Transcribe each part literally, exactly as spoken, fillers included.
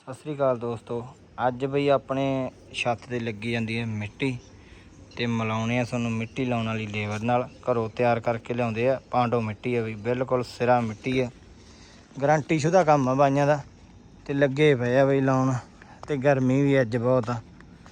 ਸਤਿ ਸ੍ਰੀ ਅਕਾਲ ਦੋਸਤੋ। ਅੱਜ ਬਈ ਆਪਣੇ ਛੱਤ ਤੇ ਲੱਗੀ ਜਾਂਦੀ ਹੈ ਮਿੱਟੀ ਤੇ ਮਿਲਾਉਣੇ ਆ ਤੁਹਾਨੂੰ ਮਿੱਟੀ ਲਾਉਣ ਵਾਲੀ ਲੇਬਰ ਨਾਲ। ਘਰੋਂ ਤਿਆਰ ਕਰਕੇ ਲਿਆਉਂਦੇ ਆ। ਪਾਂਡੋ ਮਿੱਟੀ ਹੈ ਬਈ, ਬਿਲਕੁਲ ਸਿਰਾ ਮਿੱਟੀ ਹੈ, ਗਰੰਟੀ ਸ਼ੁਦਾ ਕੰਮ ਆ ਬਾਈਆਂ ਦਾ। ਤੇ ਲੱਗੇ ਪਏ ਆ ਬਈ ਲਾਉਣ। ਤੇ ਗਰਮੀ ਵੀ ਅੱਜ ਬਹੁਤ ਆ,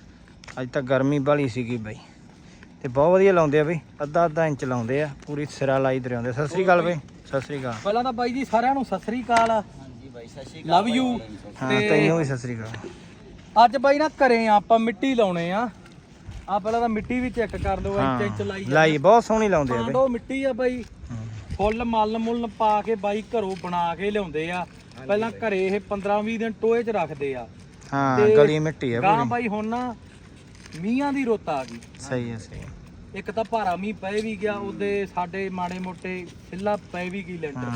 ਅੱਜ ਤਾਂ ਗਰਮੀ ਵਾਲੀ ਸੀਗੀ ਬਈ। ਤੇ ਬਹੁਤ ਵਧੀਆ ਲਾਉਂਦੇ ਆ ਬਈ, ਅੱਧਾ ਅੱਧਾ ਇੰਚ ਲਾਉਂਦੇ ਆ, ਪੂਰੀ ਸਿਰਾ ਲਾਈ ਦਰਿਆਉਂਦੇ। ਸਤਿ ਸ੍ਰੀ ਅਕਾਲ ਬਈ। ਸਤਿ ਸ੍ਰੀ ਅਕਾਲ। ਪਹਿਲਾਂ ਤਾਂ ਬਾਈ ਜੀ ਸਾਰਿਆਂ ਨੂੰ ਸਤਿ ਸ੍ਰੀ ਅਕਾਲ। ਹਾਂਜੀ ਬਾਈ ਸਤਿ ਸ੍ਰੀ ਅਕਾਲ। Love you. ਹਾਂ ਤੈਨੂੰ ਵੀ ਸਤਿ ਸ੍ਰੀ ਅਕਾਲ। ਅੱਜ ਬਾਈ ਨਾ ਘਰੇ ਆ ਆਪਾਂ ਮਿੱਟੀ ਲਾਉਣੇ ਆ। ਆ ਪਹਿਲਾਂ ਤਾਂ ਮਿੱਟੀ ਵੀ ਚੈੱਕ ਕਰ ਲਓ, ਇੰਚ ਇੰਚ ਲਾਈ ਲਾਈ ਬਹੁਤ ਸੋਹਣੀ ਲਾਉਂਦੇ ਆ ਬਈ। ਪਾਂਡੋ ਮਿੱਟੀ ਆ ਬਾਈ, ਫੁੱਲ ਮੱਲ ਮੁੱਲ ਪਾ ਕੇ ਬਾਈ ਘਰੋਂ ਬਣਾ ਕੇ ਲਿਆਉਂਦੇ ਆ। ਪਹਿਲਾਂ ਘਰੇ ਇਹ ਪੰਦਰਾਂ ਵੀਹ ਦਿਨ ਟੋਏ 'ਚ ਰੱਖਦੇ ਆ। ਹਾਂ ਗਲੀ ਮਿੱਟੀ ਆ ਗਾਂ ਬਾਈ ਹੁਣ ਨਾ ਮੀਂਹਾਂ ਦੀ ਰੁੱਤ ਆ ਗਈ। ਸਹੀ ਹੈ ਸਹੀ। ਇੱਕ ਤਾਂ ਭਾਰਾ ਮੀਂਹ ਪਏ ਵੀ ਗਿਆ, ਉਹਦੇ ਸਾਡੇ ਮਾੜੇ ਮੋਟੇ ਸਿੱਲਾ ਪਏ ਵੀ ਗਈ ਲੈਂਟਰ।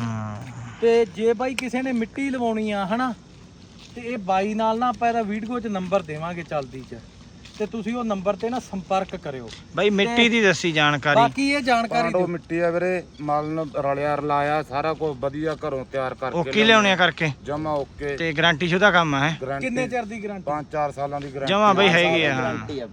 ਤੇ ਜੇ ਬਾਈ ਕਿਸੇ ਨੇ ਮਿੱਟੀ ਲਵਾਉਣੀ ਆ ਹਨਾ, ਤੇ ਇਹ ਬਾਈ ਨਾਲ ਨਾ ਆਪਾਂ ਇਹਦਾ ਵੀਡੀਓ 'ਚ ਨੰਬਰ ਦੇਵਾਂਗੇ ਚੱਲਦੀ 'ਚ, ਤੇ ਤੁਸੀਂ ਉਹ ਨੰਬਰ ਤੇ ਨਾ ਸੰਪਰਕ ਕਰਿਓ ਬਾਈ। ਮਿੱਟੀ ਦੀ ਦੱਸੀ ਜਾਣਕਾਰੀ। ਬਾਕੀ ਇਹ ਜਾਣਕਾਰੀ ਪਾਂਡੋ ਮਿੱਟੀ ਆ ਵੀਰੇ, ਮਲ ਨੂੰ ਰਲਿਆ ਰਲਾਇਆ ਸਾਰਾ ਕੁਝ ਵਧੀਆ ਘਰੋਂ ਤਿਆਰ ਕਰਕੇ ਓਕੇ ਲਿਆਉਣੇ ਕਰਕੇ ਜਮਾ ਓਕੇ ਤੇ ਗਾਰੰਟੀ ਸ਼ੁਦਾ ਕੰਮ ਹੈ। ਕਿੰਨੇ ਚਿਰ ਦੀ ਗਾਰੰਟੀ? ਪੰਜ ਚਾਰ ਸਾਲਾਂ ਦੀ ਗਾਰੰਟੀ ਜਮਾ ਬਈ ਹੈਗੀ ਆ। ਹਾਂ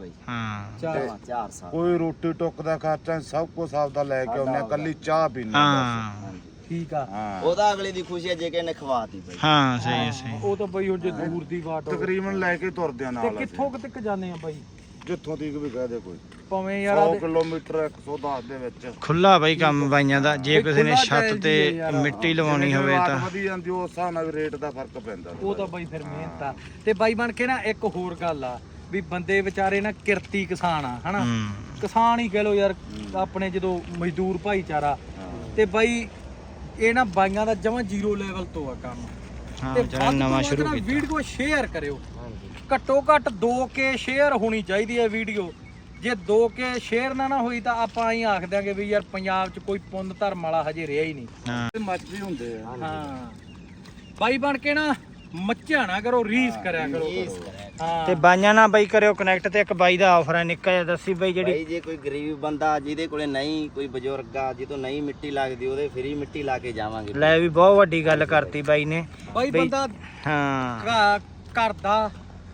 ਚਾਰ ਚਾਰ ਸਾਲ। ਕੋਈ ਰੋਟੀ ਟੁੱਕ ਦਾ ਖਰਚਾ ਸਭ ਕੁਝ ਆਪਦਾ ਲੈ ਕੇ ਆਉਂਦੇ, ਕੱਲੀ ਚਾਹ ਪੀਣੀ। ਹਾਂ ਠੀਕ ਆ। ਉਹਦਾ ਅਗਲੇ ਦੀ ਖੁਸ਼ੀ ਹੈ ਜੇ ਕਿ ਨੇ ਖਵਾਤੀ ਬਈ। ਹਾਂ ਸਹੀ ਹੈ ਸਹੀ। ਉਹ ਤਾਂ ਬਾਈ ਹੁਣ ਜੇ ਦੂਰ ਦੀ ਬਾਟ ਹੋਵੇ। ਤਕਰੀਬਨ ਲੈ ਕੇ ਤੁਰਦੇ ਆ ਤੇ ਨਾਲ। ਕਿੱਥੋਂ ਤੱਕ ਜਾਂਦੇ ਆ ਬਾਈ? ਜਿੱਥੋਂ ਤੀਕ ਵੀ ਕਹਦੇ ਕੋਈ ਭਾਵੇਂ ਯਾਰ ਸੌ ਆਦੇ ਕਿਲੋਮੀਟਰ ਇੱਕ ਸੌ ਦਸ ਦੇ ਵਿੱਚ ਖੁੱਲਾ ਬਈ ਕੰਮ ਬਾਈਆਂ ਦਾ। ਜੇ ਕਿਸੇ ਨੇ ਛੱਤ ਤੇ ਮਿੱਟੀ ਲਵਾਉਣੀ ਹੋਵੇ ਤਾਂ ਵਧੀ ਜਾਂਦੀ ਉਸ ਹਿਸਾਬ ਨਾਲ ਰੇਟ ਦਾ ਫਰਕ ਪੈਂਦਾ। ਉਹ ਤਾਂ ਬਾਈ ਫਿਰ ਮਿਹਨਤ ਆ। ਤੇ ਬਾਈ ਬਣ ਕੇ ਨਾ ਇੱਕ ਹੋਰ ਗੱਲ ਆ ਵੀ ਬੰਦੇ ਵਿਚਾਰੇ ਨਾ ਕਿਰਤੀ ਕਿਸਾਨ ਆ ਹਨਾ, ਕਿਸਾਨ ਹੀ ਕਹਿ ਲੋ ਯਾਰ ਆਪਣੇ, ਜਦੋਂ ਮਜ਼ਦੂਰ ਭਾਈਚਾਰਾ। ਤੇ ਬਾਈ ਇਹ ਨਾ ਬਾਈਆਂ ਦਾ ਜਮਾਂ ਜ਼ੀਰੋ ਲੈਵਲ ਤੋਂ ਆ ਕੰਮ। ਤੇ ਜਿਹੜਾ ਨਵਾਂ ਸ਼ੁਰੂ ਕੀਤਾ ਵੀਡੀਓ ਸ਼ੇਅਰ ਕਰਿਓ, ਘੱਟੋ ਘੱਟ ਦੋ ਕੇ ਸ਼ੇਅਰ ਹੋਣੀ ਚਾਹੀਦੀ ਹੈ ਵੀਡੀਓ। ਜੇ ਦੋ ਕੇ ਸ਼ੇਅਰ ਨਾ ਨਾ ਹੋਈ ਤਾਂ ਆਪਾਂ ਹੀ ਆਖ ਦਿਆਂਗੇ ਵੀ ਯਾਰ ਪੰਜਾਬ 'ਚ ਕੋਈ ਪੁੰਨ ਧਰਮ ਵਾਲਾ ਹਜੇ ਰਿਹਾ ਹੀ ਨਹੀਂ। ਹਾਂ ਮੱਛੀ ਹੁੰਦੇ ਆ। ਹਾਂ ਬਾਈ ਬਣ ਕੇ ਨਾ ਮੱਝਾਂ ਨਾ ਕਰੋ, ਰੀਸ ਕਰਿਆ ਕਰੋ। ਹਾਂ ਤੇ ਬਾਈਆਂ ਨਾਲ ਬਾਈ ਕਰਿਓ ਕਨੈਕਟ। ਤੇ ਇੱਕ ਬਾਈ ਦਾ ਆਫਰ ਹੈ ਨਿੱਕਾ ਜਿਹਾ, ਦੱਸੀ ਬਾਈ। ਜਿਹੜੀ ਬਈ ਜੇ ਕੋਈ ਗਰੀਬ ਬੰਦਾ ਜਿਹਦੇ ਕੋਲੇ ਨਹੀਂ, ਕੋਈ ਬਜ਼ੁਰਗ ਆ ਜਿਹਤੋਂ ਨਹੀਂ ਮਿੱਟੀ ਲੱਗਦੀ, ਉਹਦੇ ਫ੍ਰੀ ਮਿੱਟੀ ਲਾ ਕੇ ਜਾਵਾਂਗੇ। ਲੈ ਵੀ ਬਹੁਤ ਵੱਡੀ ਗੱਲ ਕਰਤੀ ਬਾਈ ਨੇ। ਬਾਈ ਬੰਦਾ ਹਾਂ ਘ- ਘਰ ਦਾ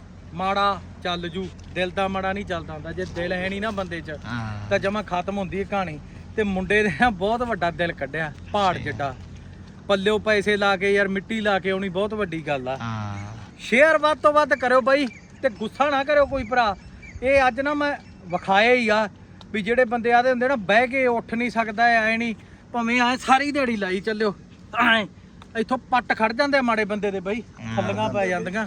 ਮਾੜਾ ਚੱਲ ਜੂ, ਦਿਲ ਦਾ ਮਾੜਾ ਨਹੀਂ ਚੱਲਦਾ ਹੁੰਦਾ। ਜੇ ਦਿਲ ਹੈ ਨਹੀਂ ਨਾ ਬੰਦੇ 'ਚ ਹਾਂ ਤਾਂ ਜਮਾ ਖਤਮ ਹੁੰਦੀ ਹੈ ਕਹਾਣੀ। ਤੇ ਮੁੰਡੇ ਨੇ ਨਾ ਬਹੁਤ ਵੱਡਾ ਦਿਲ ਕੱਢਿਆ, ਪਹਾੜ ਜਿੱਡਾ। ਪੱਲਿਓ ਪੈਸੇ ਲਾ ਕੇ ਯਾਰ ਮਿੱਟੀ ਲਾ ਕੇ ਆਉਣੀ ਬਹੁਤ ਵੱਡੀ ਗੱਲ ਆ। ਹਾਂ ਸ਼ੇਅਰ ਵੱਧ ਤੋਂ ਵੱਧ ਕਰਿਓ ਬਾਈ, ਤੇ ਗੁੱਸਾ ਨਾ ਕਰਿਓ ਕੋਈ ਭਰਾ। ਇਹ ਅੱਜ ਨਾ ਮੈਂ ਵਿਖਾਇਆ ਹੀ ਆ ਵੀ ਜਿਹੜੇ ਬੰਦੇ ਆਦੇ ਹੁੰਦੇ ਨਾ ਬਹਿ ਕੇ ਉੱਠ ਨਹੀਂ ਸਕਦਾ, ਐ ਨਹੀਂ ਭਾਵੇਂ ਐ ਸਾਰੀ ਦਿਹਾੜੀ ਲਾਈ ਚੱਲਿਓ, ਐ ਇੱਥੋਂ ਪੱਟ ਖੜ ਜਾਂਦੇ ਮਾੜੇ ਬੰਦੇ ਦੇ ਬਾਈ, ਥੱਲੀਆਂ ਪੈ ਜਾਂਦੀਆਂ।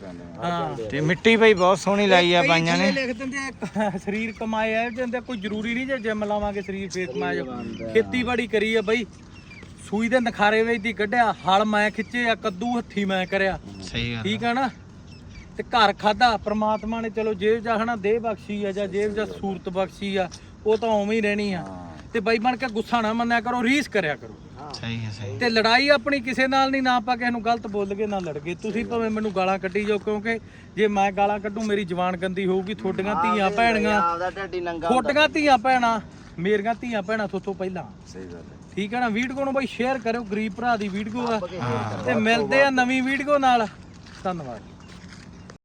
ਹਾਂ ਤੇ ਮਿੱਟੀ ਬਾਈ ਬਹੁਤ ਸੋਹਣੀ ਲਾਈ ਆ ਬਾਈਆਂ ਨੇ। ਲਿਖ ਦਿੰਦੇ ਆ ਸਰੀਰ ਕਮਾਏ ਆ ਜਾਂਦੇ, ਕੋਈ ਜ਼ਰੂਰੀ ਨਹੀਂ ਜੇ ਜਿਮ ਲਾਵਾਂਗੇ ਸਰੀਰ ਫੇਰ ਕਮਾਏ। ਖੇਤੀਬਾੜੀ ਕਰੀ ਆ ਬਾਈ, ਸੂਈ ਦੇ ਨਖਾਰੇ ਵਿੱਚ ਦੀ ਕੱਢਿਆ, ਹਲ ਮੈਂ ਖਿੱਚੇ ਆ, ਕੱਦੂ ਹੱਥੀ ਮੈਂ ਕਰਿਆ। ਸਹੀ ਗੱਲ ਠੀਕ ਆ ਨਾ। ਤੇ ਘਰ ਖਾਦਾ ਪ੍ਰਮਾਤਮਾ ਨੇ, ਚਲੋ ਜੇਬ ਜਾ ਹਨਾ ਦੇਹ ਬਖਸ਼ੀ ਆ, ਜਾਂ ਜੇਬ ਜਾ ਸੂਰਤ ਬਖਸ਼ੀ ਆ, ਉਹ ਤਾਂ ਉਵੇਂ ਹੀ ਰਹਿਣੀ ਆ। ਤੇ ਬਾਈ ਬਣ ਕੇ ਗੁੱਸਾ ਨਾ ਮੰਨਿਆ ਕਰੋ, ਰੀਸ ਕਰਿਆ ਕਰੋ। ਸਹੀ ਹੈ ਸਹੀ। ਤੇ ਲੜਾਈ ਆਪਣੀ ਕਿਸੇ ਨਾਲ ਨਹੀਂ, ਨਾ ਆਪਾਂ ਕਿਸੇ ਨੂੰ ਗਲਤ ਬੋਲ ਗਏ ਨਾ ਲੜ ਗਏ। ਤੁਸੀਂ ਭਾਵੇਂ ਮੈਨੂੰ ਗਾਲਾਂ ਕੱਢੀ ਜਾਓ, ਕਿਉਂਕਿ ਜੇ ਮੈਂ ਗਾਲਾਂ ਕੱਢੂ ਮੇਰੀ ਜ਼ੁਬਾਨ ਗੰਦੀ ਹੋਊਗੀ। ਤੁਹਾਡੀਆਂ ਧੀਆਂ ਭੈਣਾਂ, ਆਪਦਾ ਢੱਡੀ ਨੰਗਾ ਤੁਹਾਡੀਆਂ ਧੀਆਂ ਭੈਣਾਂ, ਮੇਰੀਆਂ ਧੀਆਂ ਭੈਣਾਂ ਤੋਂ ਪਹਿਲਾਂ। ਸਹੀ ਗੱਲ ਹੈ। ਠੀਕ ਹੈ ਨਾ। ਵੀਡੀਓ ਨੂੰ ਬਾਈ ਸ਼ੇਅਰ ਕਰਿਓ, ਗਰੀਬ ਭਰਾ ਦੀ ਵੀਡੀਓ ਆ। ਤੇ ਮਿਲਦੇ ਆ ਨਵੀਂ ਵੀਡੀਓ ਨਾਲ। ਧੰਨਵਾਦ।